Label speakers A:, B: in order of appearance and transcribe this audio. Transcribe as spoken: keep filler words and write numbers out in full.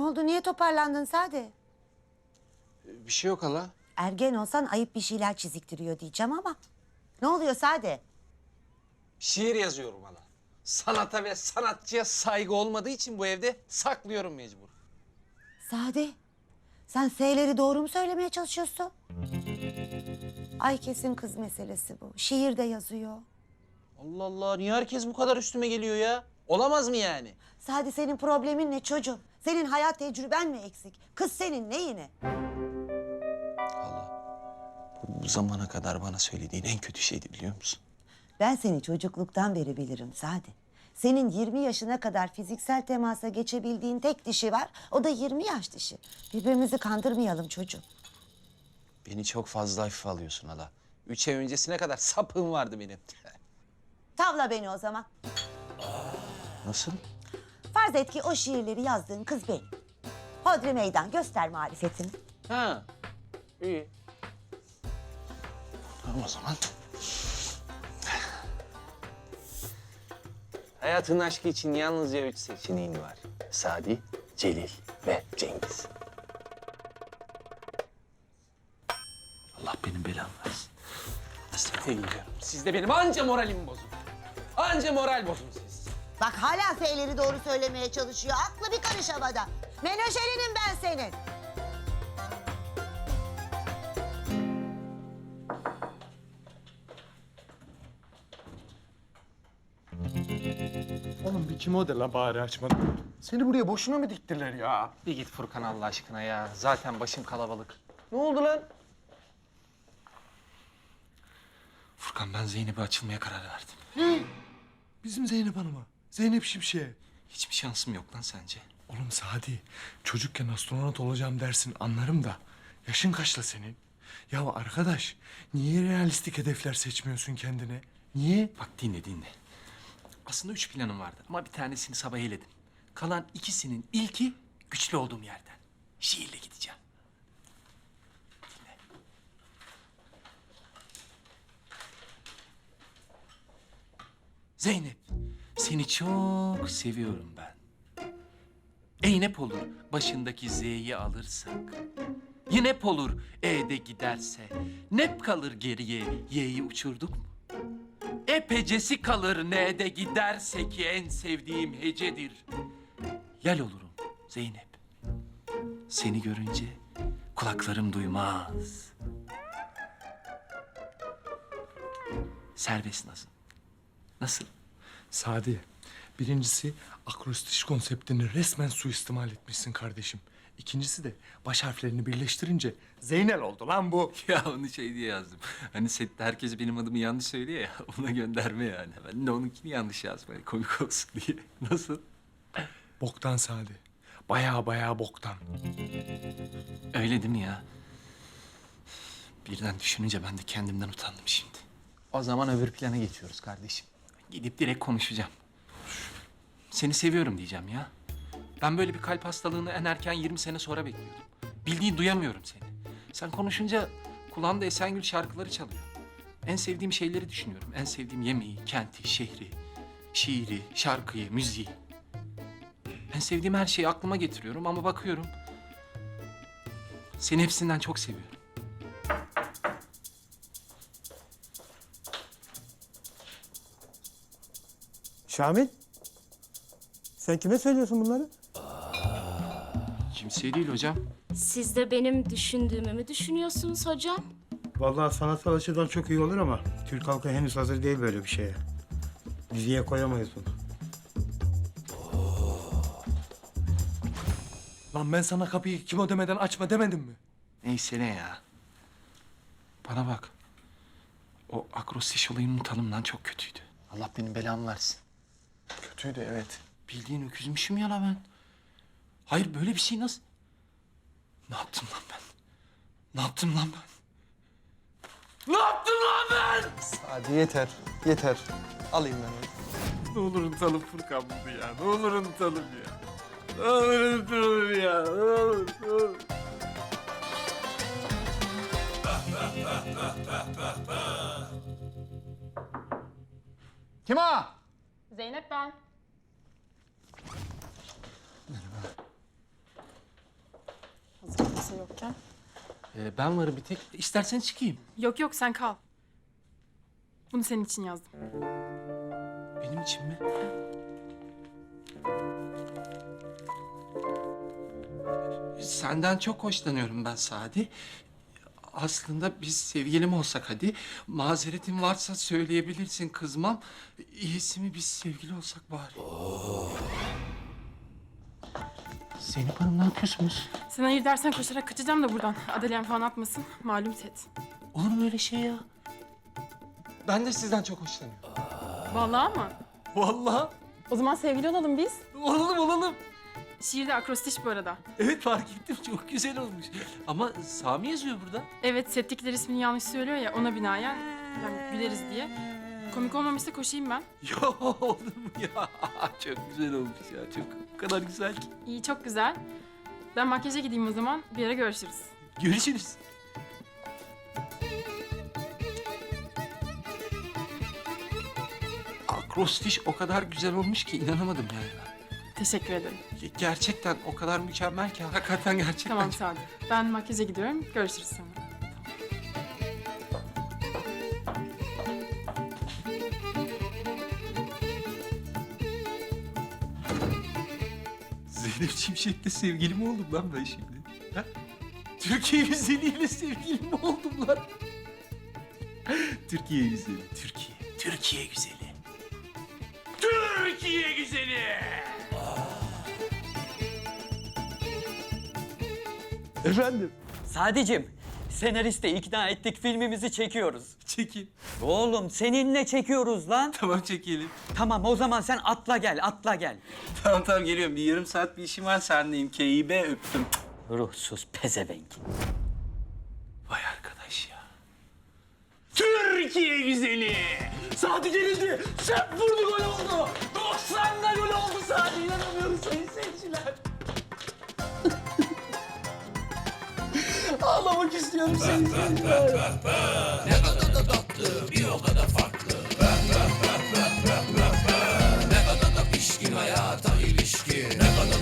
A: oldu? Niye toparlandın Sade?
B: Bir şey yok hala.
A: Ergen olsan ayıp bir şeyler çiziktiriyor diyeceğim ama. Ne oluyor Sade?
B: Şiir yazıyorum hala. Sanata ve sanatçıya saygı olmadığı için bu evde saklıyorum mecbur.
A: Sade, sen S'leri doğru mu söylemeye çalışıyorsun? Ay kesin kız meselesi bu. Şiir de yazıyor.
B: Allah Allah, niye herkes bu kadar üstüme geliyor ya? Olamaz mı yani?
A: Sade, senin problemin ne çocuğum? Senin hayat tecrüben mi eksik? Kız senin neyine?
B: Hala, bu, bu zamana kadar bana söylediğin en kötü şeydi biliyor musun?
A: Ben seni çocukluktan beri bilirim Sade. Senin yirmi yaşına kadar fiziksel temasa geçebildiğin tek dişi var. O da yirmi yaş dişi. Birbirimizi kandırmayalım çocuğum.
B: Beni çok fazla hafife alıyorsun hala. Üç ay öncesine kadar sapığım vardı benim.
A: Tavla beni o zaman.
B: Nasıl?
A: Farz et ki o şiirleri yazdığın kız benim. Hodri meydan, göster marifetini.
B: Ha, iyi. Tamam o zaman. Hayatın aşkı için yalnızca üç seçeneğin var. Sadi, Celil ve Cengiz. Allah benim belamı versin. Hastaneye gidiyorum. Siz de benim anca moralimi bozun. Anca moral bozun siz.
A: Bak hala F'leri doğru söylemeye çalışıyor. Aklı bir karış havada. Menajerinim ben senin.
C: Oğlum bir kim o de la bari açmadım. Seni buraya boşuna mı diktiler ya?
B: Bir git Furkan Allah aşkına ya. Zaten başım kalabalık. Ne oldu lan? Furkan, ben Zeynep'e açılmaya karar verdim.
C: Bizim Zeynep Hanım'a. Zeynep Şimşek'e.
B: Hiçbir şansım yok lan sence?
C: Oğlum Sadi, çocukken astronot olacağım dersin anlarım da. Yaşın kaçla senin? Ya arkadaş, niye realistik hedefler seçmiyorsun kendine? Niye?
B: Bak dinle dinle. Aslında üç planım vardı ama bir tanesini sabah eledim. Kalan ikisinin ilki güçlü olduğum yerden. Şiirle gideceğim. Dinle. Zeynep, seni çok seviyorum ben. Eynep olur başındaki Z'yi alırsak. Yinep olur E'de giderse. Nep kalır geriye Y'yi uçurduk mu? Epecesi kalır N'de giderse ki en sevdiğim hecedir. Yel olurum Zeynep. Seni görünce kulaklarım duymaz. Serbest nasıl? Nasıl?
C: Sadi, birincisi akrostiş konseptini resmen suistimal etmişsin kardeşim. İkincisi de baş harflerini birleştirince Zeynel oldu lan bu.
B: Ya onu şey diye yazdım. Hani sette herkes benim adımı yanlış söylüyor ya. Ona gönderme yani. Ben de onunkini yanlış yazdım. Hani komik olsun diye. Nasıl?
C: Boktan Sadi. Baya baya boktan.
B: Öyle değil mi ya? Birden düşününce ben de kendimden utandım şimdi. O zaman öbür plana geçiyoruz kardeşim. Gidip direkt konuşacağım. Seni seviyorum diyeceğim ya. Ben böyle bir kalp hastalığını en erken yirmi sene sonra bekliyordum. Bildiğin duyamıyorum seni. Sen konuşunca kulağımda Esengül şarkıları çalıyor. En sevdiğim şeyleri düşünüyorum. En sevdiğim yemeği, kenti, şehri, şiiri, şarkıyı, müziği. En sevdiğim her şeyi aklıma getiriyorum ama bakıyorum... seni hepsinden çok seviyorum.
D: Şamil, sen kime söylüyorsun bunları?
B: Kimseye değil hocam.
E: Siz de benim düşündüğümü mü düşünüyorsunuz hocam?
D: Vallahi sanatsal açıdan çok iyi olur ama Türk halkı henüz hazır değil böyle bir şeye. Diziye koyamayız bunu.
C: Lan ben sana kapıyı kim o demeden açma demedim mi?
B: Neyse ne ya. Bana bak. O akrostiş olayını unutalım lan, çok kötüydü. Allah benim belamı versin.
C: Kötüydü evet.
B: Bildiğin öküzmüşüm ya la ben. Hayır böyle bir şey nasıl? Ne yaptım lan ben? Ne yaptım lan ben? Ne yaptım lan ben?
F: Hadi yeter, yeter. Alayım ben onu.
C: Ne olur unutalım Furkan bunu ya. Ne olur unutalım ya. Ne olur unutalım ya. Ne olur, ne olur.
F: Kim o?
E: Zeynep ben.
G: kimse yokken.
B: Ee, ben varım bir tek. İstersen çıkayım.
G: Yok yok sen kal. Bunu senin için yazdım.
B: Benim için mi? Senden çok hoşlanıyorum ben Sadi. Aslında biz sevgilim olsak hadi. Mazeretin varsa söyleyebilirsin, kızmam. İyisi mi biz sevgili olsak bari. Zeynep Hanım ne yapıyorsunuz?
G: Sen hayır dersen koşarak kaçacağım da buradan. Adalem falan atmasın. Malum set.
B: Olur mu öyle şey ya? Ben de sizden çok hoşlanıyorum.
G: Vallahi mı?
B: Vallahi.
G: O zaman sevgili olalım biz.
B: Olalım olalım.
G: Şiirde akrostiş bu arada.
B: Evet fark ettim çok güzel olmuş. Ama Sami yazıyor burada.
G: Evet settikler ismini yanlış söylüyor ya ona binaen yani güleriz diye. Komik olmamışsa koşayım ben.
B: Ya olur mu ya? Çok güzel olmuş ya. Çok o kadar güzel ki.
G: İyi çok güzel. Ben makyaja gideyim o zaman. Bir ara görüşürüz.
B: Görüşürüz. Akrostiş o kadar güzel olmuş ki inanamadım yani ben.
G: Teşekkür ederim.
B: Ge- Gerçekten o kadar mükemmel ki hakikaten gerçekten.
G: Tamam Sadi. Ben makyaja gidiyorum. Görüşürüz sonra.
B: Zeynep Şimşek'le sevgili mi oldum lan ben şimdi? Ha? Türkiye güzeliyle sevgili mi oldum lan? Türkiye güzeli, Türkiye. Türkiye güzeli. Türkiye güzeli! Efendim?
H: Sadicim, senaristi ikna ettik, filmimizi çekiyoruz.
B: Çekin.
H: Oğlum seninle çekiyoruz lan.
B: Tamam çekelim.
H: Tamam o zaman sen atla gel, atla gel.
B: Tamam tamam geliyorum. Bir yarım saat bir işim var sendeyim. K İ B öptüm.
H: Ruhsuz pezevenk.
B: Vay arkadaş ya. Türkiye güzeli. Sadi gelildi. Şef vurdu gol oldu. doksanda gol oldu Sadi. İnanamıyorum sayın seyirciler. Ağlamak istiyorum sayın seyirciler.
I: Ne kadar da tatlı, bir o kadar farklı.